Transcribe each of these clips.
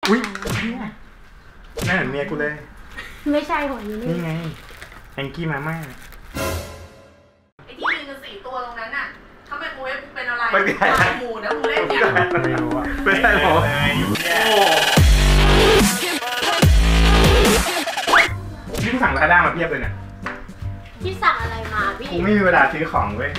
อุ้ยน่าเหมือนเมียกูเลยไม่ใช่หัวนี้นี่ไงแองกี้มาม่าไอ้ที่ยืนกัน4 ตัวตรงนั้นน่ะถ้าไมโครเวฟเป็นอะไรตายหมูนะมึงเล่นเนี่ยไม่รู้อะไม่ใช่หรอนี่สั่งลาด้ามาเพียบเลยเนี่ยพี่สั่งอะไรมาพี่กูไม่มีเวลาซื้อของเว้ย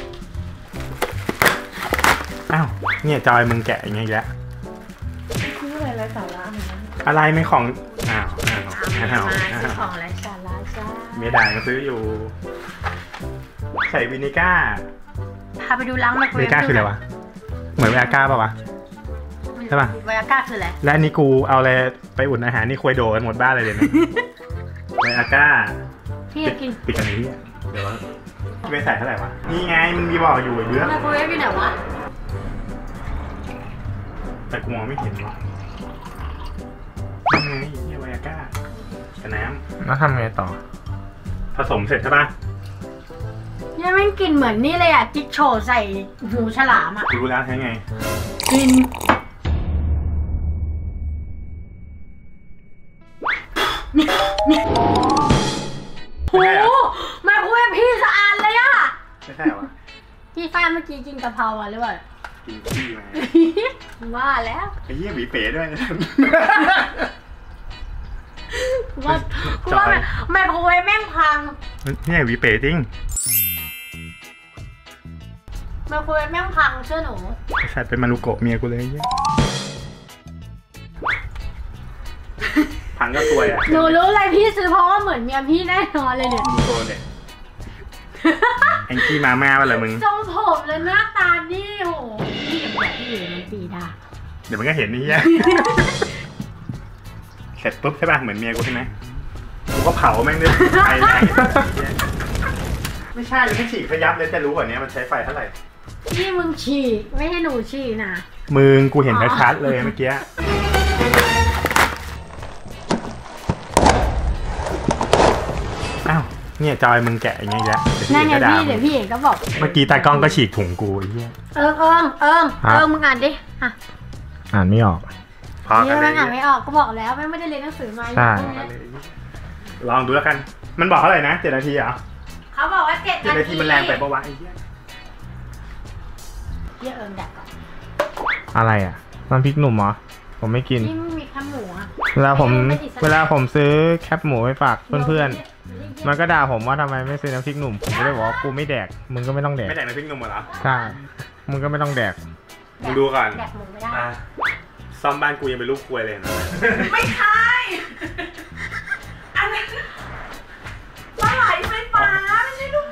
อ้าวเนี่ยจอยมึงแกะอย่างเงี้ยแล้วซื้ออะไรไร้สาระอะไรไม่ของอ้าวซื้อของไร้สาระจ้าเมียด่าก็ซื้ออยู่ใส่วินิก้าพาไปดูล้างไมโครเวฟวินิก้าคืออะไรวะเหมือนไวอาก้าป่าวะใช่ป่ะไวอาก้าคืออะไรและนี่กูเอาอะไรไปอุ่นอาหารนี่คุยโดกันหมดบ้านเลยเดี๋ยวนี้ไวอาก้าพี่กินปิดกันนี้เดี๋ยวไม่ใส่เท่าไหร่วะนี่ไงมันมีบอกอยู่เยอะไมโครเวฟอยู่ไหนวะแต่กูมองไม่เห็นวะนี่ไงนี่ไวอาก้ากับน้ำแล้วทำไงต่อผสมเสร็จใช่ป่ะยังไม่กลิ่นเหมือนนี่เลยอ่ะจิ๊กโฉใส่หูฉลามอ่ะรู้แล้วใช่ไงกลิ่นโอ้โหไมโครเวฟพี่สะอาดเลยอ่ะไม่ใช่วะพี่ฟ้าเมื่อกี้กินกะเพราหรือเปล่ากินขี้มาว่าแล้วไอ้เหี้ยหวีเป๋ด้วยว่าไมโครเวฟแม่งพังเนี่ยหวีเป๋จริงไมโครเวฟแม่งพังเชื่อหนูใส่เป็นมารุโกะเมียกูเลยเนี่ยพังก็ซวยอ่ะหนูรู้เลยพี่ซื้อเพราะว่าเหมือนเมียพี่แน่นอนเลยเนี่ยดูโซนเนี่ยแองกี้มาม่าป่ะเหรอมึงทรงผมเลยหน้าตานี่โหพี่อย่าบอกพี่มันปีดาเดี๋ยวมันก็เห็นนี่แย่เสร็จปุ๊บใช่ป่ะเหมือนเมียกูใช่ไหมกูก็เผาแม่งด้วยไฟแรงไม่ใช่ไม่ฉีกขยับเลยจะรู้กว่านี้มันใช้ไฟเท่าไหร่พี่มึงฉีกไม่ให้หนูฉีกนะมึงกูเห็นชัดๆเลยเมื่อกี้อ้าวเนี่ยจอยมึงแกะอย่างเงี้ยแล้วนั่นไงพี่เดี๋ยวพี่เอกก็บอกเมื่อกี้ตากล้องก็ฉีกถุงกูไอ้เหี้ยมึงอ่านดิอ่านไม่ออกพอกันเลยอ่านไม่ออกก็บอกแล้วไม่ได้เรียนหนังสือมาใช่ลองดูแล้วกันมันบอกเท่าไหร่นะ7 นาทีเหรอเขาบอกว่า7 นาทีมันแรงไปปะวะไอ้เหี้ยดักก่อนอะไรอ่ะน้ำพริกหนุ่มเหรอผมไม่กินนี่มีแคบหมูอ่ะเวลาผมซื้อแคบหมูไปฝากเพื่อนๆมันก็ด่าผมว่าทำไมไม่ซื้อน้ำพริกหนุ่มผมก็เลยบอกว่ากูไม่แดกมึงก็ไม่ต้องแดกไม่แดกน้ำพริกหนุ่มเหรอใช่มึงก็ไม่ต้องแดกมึงดูก่อนแดกหมูไม่ได้ซ่อมบ้านกูยังเป็นรูปควยเลยนะไม่ใช่อันนั้นปลาไหลไฟฟ้าไม่ใช่ลูก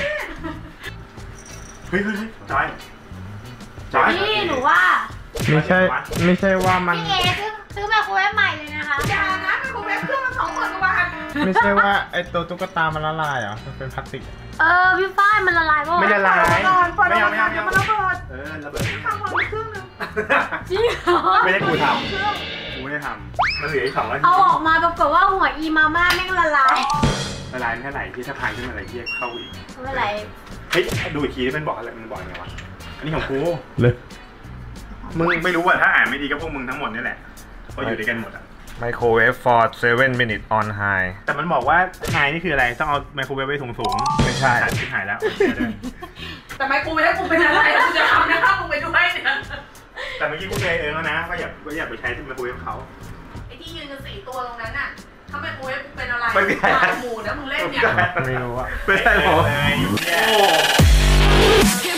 เฮ้ยจอยพี่หนูว่าไม่ใช่ว่ามันพี่เอซื้อไมโครเวฟใหม่เลยนะคะอย่านะไมโครเวฟเครื่องมัน20,000 กว่าบาทไม่ใช่ว่าไอตัวตุ๊กตามันละลายเหรอมันเป็นพลาสติกพี่ฝ้ายมันละลายป่ะไม่ละลายไม่เอามันระเบิดระเบิดทำเครื่องนึงจริงเหรอไม่ได้กูทำมันเหลืออีก2 นาทีเอาออกมาปรากฏว่าหัวอีมาม่าแม่งละลายเท่าไหร่ที่ถ้าพังขึ้นมาอะไรเยี่ยเข้าอีกไม่ไรเฮ้ยดูอีกทีที่มันบอกอะไรมันบอกไงวะอันนี้ของกูเลยมึงไม่รู้ว่าถ้าอ่านไม่ดีก็พวกมึงทั้งหมดนี่แหละเพราะอยู่ด้วยกันหมดอะไมโครเวฟ for 7 minutes on high แต่มันบอกว่า high นี่คืออะไรต้องเอาไมโครเวฟไว้สูงไม่ใช่หายแล้วแต่ไมโครเวฟกูเป็นอะไรกูจะทำนะมึงไปดูให้เนี่ยแต่เมื่อกี้กูเคยแล้วนะก็อยากไปใช้ที่ไมโครเวฟเขาไอ้ที่ยืนกัน4 ตัวตรงนั้นน่ะถ้าไมโครเวฟเป็นอะไรตายหมูนะมึงเล่นเนี่ยไม่รู้อะไม่ใช่หรอ